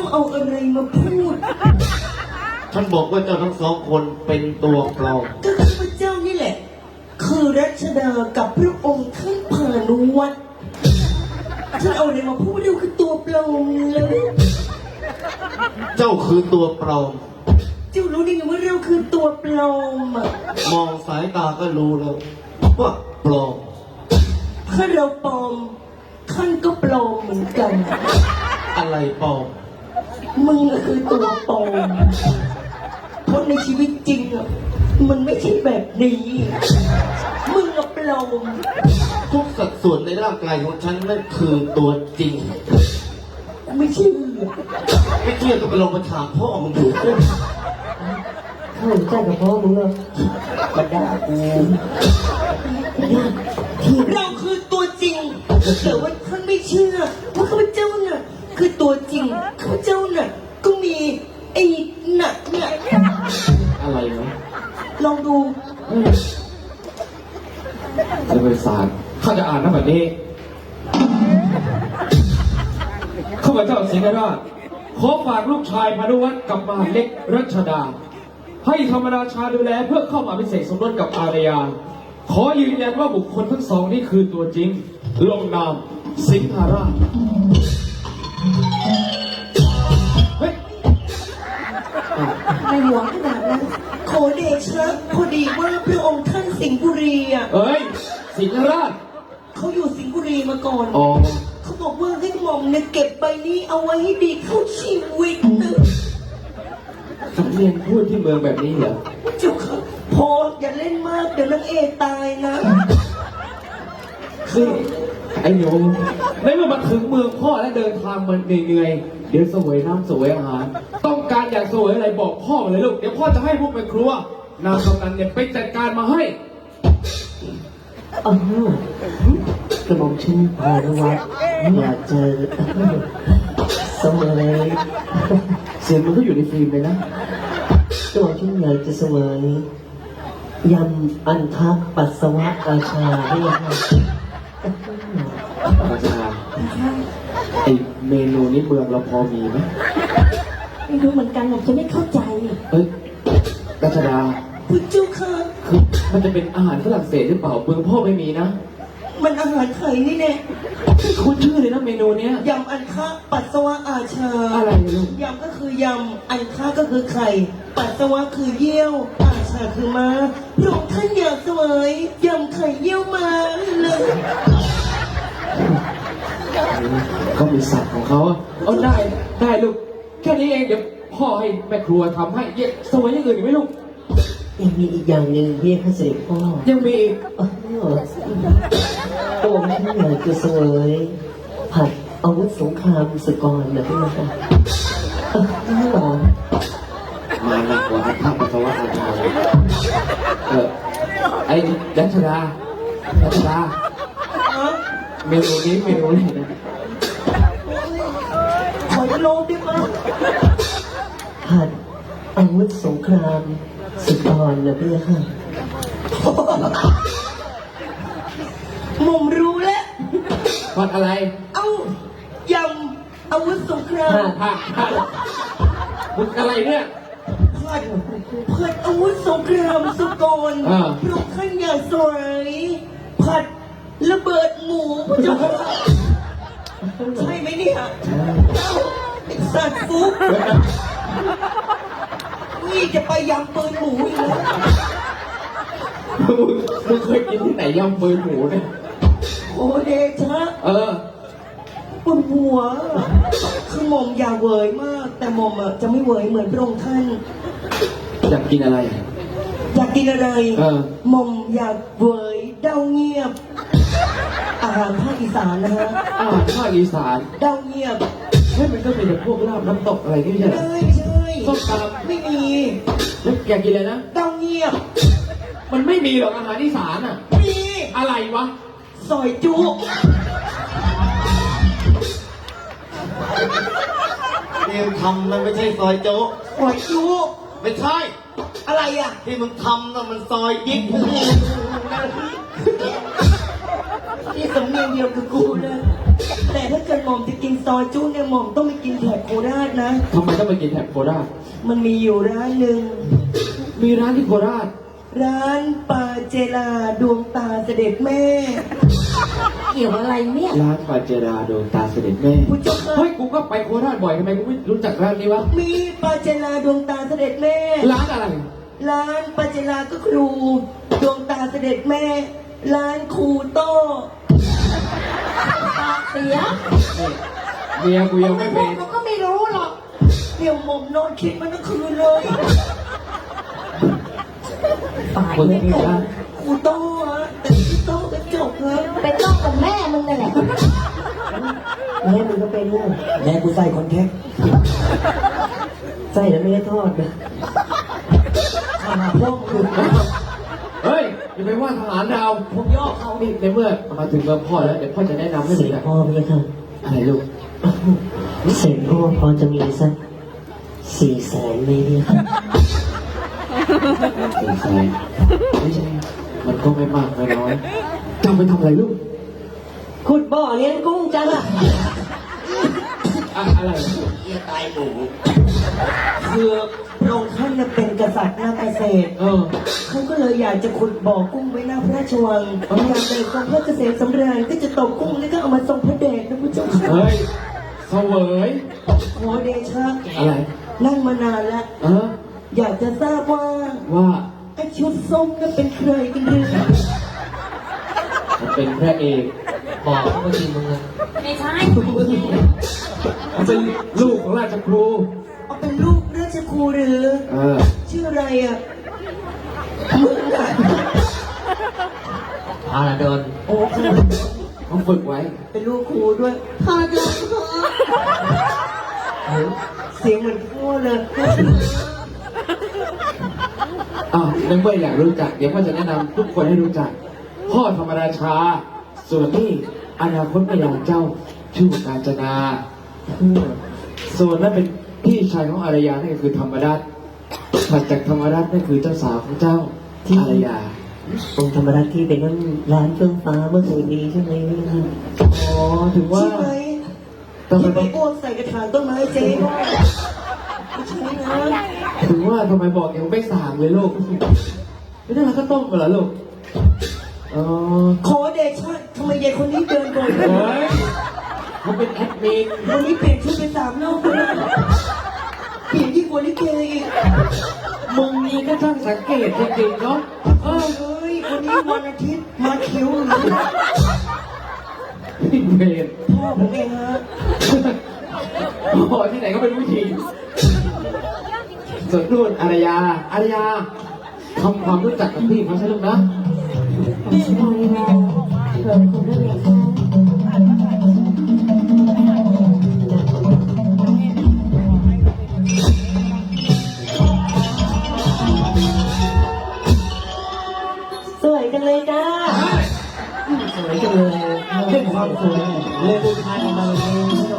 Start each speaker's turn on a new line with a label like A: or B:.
A: เอาอะไรมาพูด
B: ฉันบอกว่าเจ้าทั้งสองคนเป็นตัวปลอม
A: ก็ข้าพเจ้านี่แหละคือรัชดากับพระองค์ท่านพานุวัตรท่านเอาอะไรมาพูดเร็วคือตัวปลอมเลย
B: เจ้าคือตัวปลอม
A: เจ้ารู้ได้ไงว่าเราคือตัวปลอมอ่ะ
B: มองสายตาก็รู้แล้วว่าปลอม
A: ถ้าเราปลอมท่านก็ปลอมเหมือนกัน
B: อะไรปลอม
A: มึงคือตัวปลอมเพราะในชีวิตจริงอ่ะมันไม่ใช่แบบนี้มึงอะปลอม
B: ทุกสัดส่วนในร่างกายของฉันนั่นคือตัวจริง
A: ไม่เชื่อ
B: ก็ไปลองมาถามพ่อมึงดู
A: ข้าหลงใจกับพ่อมึงอะมาด่ากูเราคือตัวจริงแต่ว่าท่านไม่เชื่อว่าข้าพเจ้าน่ะคือตัวจริงข้าพเจ้าน่ะก็มีไอ้หนักเนี่ย
B: อะไรนะ
A: ลองดู
C: จะเป็นสารข้าจะอ่านนะแบบนี้ข้าพเจ้าสิงห์ราชขอฝากลูกชายพานุวัฒน์กับมหาเล็กรัชดาให้ธรรมราชาดูแลเพื่อเข้ามาพิเศษสมรสกับอารยาขอยืนยันว่าบุคคลทั้งสองนี่คือตัวจริงลงนามสิงห์ราช
A: ในหลวงขนาดนั้นขอเดชะพอดีว่าพระองค์ท่านสิงห์บุรีอ่ะ
C: เอ้ยสิงห์ราช
A: เขาอยู่สิงห์บุรีมาก่อน
C: อ๋อ
A: เขาบอกว่าให้หม่อมเนี่ยเก็บใบนี้เอาไว้ให้ดีเข้าชีวิตนะ
C: สำเนียงพูดที่เมืองแบบนี้เหรอ
A: เจ้าค่ะพออย่าเล่นมากเดี๋ยวนางเอกตายนะ
C: คือไอ้โยมในเมื่อมาถึงเมืองพ่อและเดินทางมันเหนื่อยเดี๋ยวเสวยน้ำเสวยอาหารต้องการอยากเสวยอะไรบอกพ่อมาเลยลูกเดี๋ยวพ่อจะให้พวกไปครัวนางกำนันเนี่ยไปจัดการมาให้
A: กระหม่อมชื่อพานุวัฒน์อยากเจอเสมอ
C: เสียงมันก็อยู่ในฟิล์มเลยนะ
A: กระหม่อมชื่ออยากจะเสมอยำอันทักปัสสาวะอาชาให้ค่ะ
C: อาชาไอเมนูนี้เมืองเราพอมีไหม
A: ไม่รู้เหมือนกันผมจะไม่เข้าใจ
C: เฮ้ยรัชดา
A: คุณเจ้าค่ะ
C: คือมันจะเป็นอาหารฝรั่งเศสหรือเปล่าเมืองพ่อไม่มีนะ
A: มันอาหารไทยนี่แน่
C: คุณชื่อเลยนะเมนูเนี้ย
A: ยำอันคะปัสสาวะอาชา
C: อะไรลูก
A: ยำก็คือยำอันคะก็คือไข่ปัสสาวะคือเยี่ยวอาชาคือม้าพระองค์ท่านอยากเสวยยำไข่เยี่ยวม้าเลย
C: เขามีสัตว์ของเขาเอาได้ลูกแค่นี้เองเดี๋ยวพ่อให้แม่ครัวทำให้เยอะสวยอย่างอื่นอีกไหมลูก
A: ยังมีอีกอย่างหนึ่งพี่พระเสด็จพ่อ
C: ยังมีอีก
A: โอ้ไม่อยากจะเสวยผัดอาวุธสงครามสกรนะพี่นะคะไม่หรอ
C: มาหนักกว่าข้าปัสสาวะอาชาไอ้รัชดาเมนูนี้เมนูอะไรนะ
A: ขอโลบได้ไหมผัดอาวุธสงครามสกรนะพี่ค่ะมุมรู้แล้ว
C: ผัดอะไร
A: เอายำอาวุธสงคราม
C: มึงอะไรเนี่ย
A: ผัดอาวุธสงครามสกรพระท่านอยากสวยผัดระเบิดหมูพระเจ้าใช่ไหมเนี่ยสัตว์ฟุกนี่จะไปยำปืนหมูอีกแล้ว
C: มึงเคยกินที่ไหนยำปืนหมูเนี่ย
A: โอเดชะปวดหัวคือหม่อมอยากเวยมากแต่หม่อมจะไม่เวยเหมือนพระองค์ท่าน
C: อยากกินอะไร
A: อยากกินอะไรหม่อมอยากเวยเด้าเงียบอาหารภาคอีสานนะฮะ
C: อาหารภาคอีสาน
A: เด้าเงียบ
C: มันก็เป็นพวกลาบน้ำตกอะไรนี่ใช่ไหม
A: ไม่ใช่
C: ส้มตำ
A: ไม่มี
C: อยากกินอะไรนะ
A: เต้าเงียบ
C: มันไม่มีหรอกอาหารอีสานอ่ะ
A: มี
C: อะไรวะ
A: ซอยจุ
B: ที่มึงทำมันไม่ใช่ซอยโจ๊ก
A: ซอยจุ
B: ไม่ใช่
A: อะไรอ่ะ
B: ที่มึงทำน่ะมันซอยยิ่ง
A: ที่สำเนียงเดียวกับกูเลยแต่ถ้าเกิดหม่อมจะกินซซอยจุเนี่ยหม่อมต้องไปกินแถบโคราชนะ
C: ทำไมต้องไปกินแถบโคราช
A: มันมีอยู่ร้านหนึ่ง
C: มีร้านที่โคราช
A: ร้านปาเจลาดวงตาเสด็จแม่
D: เกี่ยวอะไรเนี่ย
C: ร้านปาเจราดวงตาเสด็จแม่
A: ผู้เจ้าค่ะ
C: เฮ้ยกูก็ไปโคราชบ่อยทำไมกูไม่รู้จักร้านนี้วะ
A: มีปาเจลาดวงตาเสด็จแม่
C: ร้านอะไร
A: ร้านปาเจลาก็ครูดวงตาเสด็จแม่ ร้านครูโต้
D: ปากเสีย
C: เมียกูยังไม่
D: พว
C: เป็
D: ก
C: น
D: เราก็ไม่รู้หรอก
A: เดี๋ยวหม่อมนอนคิดมันทั้งคืนเลย
D: ฝ่าย
C: คน
D: ไม่
C: ที่
D: ถูก
C: ร้าน
A: ครูโต้ฮะแต่ครูโต้กระจกฮะ
D: เป็นต้องกับแม่มึงนั่นแหละ
A: แม่มึงก็เป็นลูกแม่กูใส่คอนแทคใส่แล้วไม่ได้ทอดนะมาพวกคุณ
C: เฮ้ยอย่าไปว่าทหารดาวผมย่อเขานี่ในเมื่อมาถึงเมืองพ่อแล้วเดี๋ยวพ่อจะแนะนำให้
E: เส
C: รู้
E: ด็จ
C: จัก
E: พ่อพี่ค่ะ
C: อะไรลูก
E: เสด็จพ่อพอจะมีสัก400,000ไหมพี่ค่ะ
C: เป็นใครไม่ใช่มันก็ไม่มากไม่น้อยจำไปทำอะไรลูก
A: ขุดบ่อเลี้ยงกุ้งจังอะ
C: อะไร
B: เยี่ยตายหมู
A: คือพระองค์ท่านน่ะเป็นกษัตริย์นาเกษตร เขาก็เลยอยากจะขุดบ่อกุ้งไว้หน้าพระราชวังอยากได้ทรงพระเกษมสำราญก็จะตกกุ้งแล้วก็เอามาทรงพระเดชนะผู้เจ้าค่ะ
C: เฮ้ยเสวย
A: ขอเดชะ
C: อะไร
A: นั่งมานานแล้ว อยากจะทราบว่า
C: ว่า
A: ไอ้ชุดส้มนั่นเป็นใครกันหรือ
C: มันเป็นพระเอก
E: บอกเมื่อกี้มึงอะ
D: ไม่ใช่
C: มันเป็นลูกของราชครู
A: เอาเป็นลูกราชครูหรือ ชื่ออะไรอ่ะมึงอะ
E: อาราดอน
A: โอ้คือ
C: ต้องฝึกไว้
A: เป็นลูกครูด้วยพาเดินเสียงเหมือนพ่อเลย
C: ในเมื่ออยากรู้จัก เดี๋ยวพ่อจะแนะนำทุกคนให้รู้จัก พ่อธรรมราชา ส่วนนี่อนาคตพยานเจ้าชื่อกาญจนา ส่วนนั้นเป็นพี่ชายของอารยานั่นก็คือธรรมรัตน์ถัดจากธรรมรัตน์นั่นคือเจ้าสาวของเจ้าอารยา
E: องค์ธรรมรัตน์ที่เป็นนั่นร้านเครื่องฟ้าเมื่อคืนนี้ใช่ไหมพี่ค่ะ
C: อ๋อถึงว่า
A: ใช่ไหม
C: ทำไม
A: ที่ไป
C: ต้อง
A: อ้วกใส่กระถางต้นไม้เจ๊ด้วยไม่ใช่นะ
C: ถึงว่าทำไมบอกยังไม่สั่งเลยลูกไม่ได้ทานข้าวต้มเหรอลูกอ๋อ
A: ขอเดชะทำไมยายคนนี้เดินบ่อย
C: เฮ้ยเขาเป็นแอดมิน
A: วันนี้เปลี่ยนชุดไป3 รอบแล้วเปลี่ยนยิ่งกว่าลิเกอีก
C: มึงนี่ก็ช่างสังเกตจริงๆเนาะ
A: เฮ้ยวันนี้วันอาทิตย์มาคิ้วหรือ
C: พี่เบน
A: พ่อผมเองฮะ
C: พอที่ไหนก็เป็นผู้หญิงส่วนนู่นอารยาทำความรู้จักกับพี่เขาใช่ลูกนะ
D: ไม่ใช่เราเกิดคนเรื่องอย่างเขา
A: สวยจังเลยจ้า
E: สวยจังเลย
A: เป็นความสวยเลยบุญทานมาเลย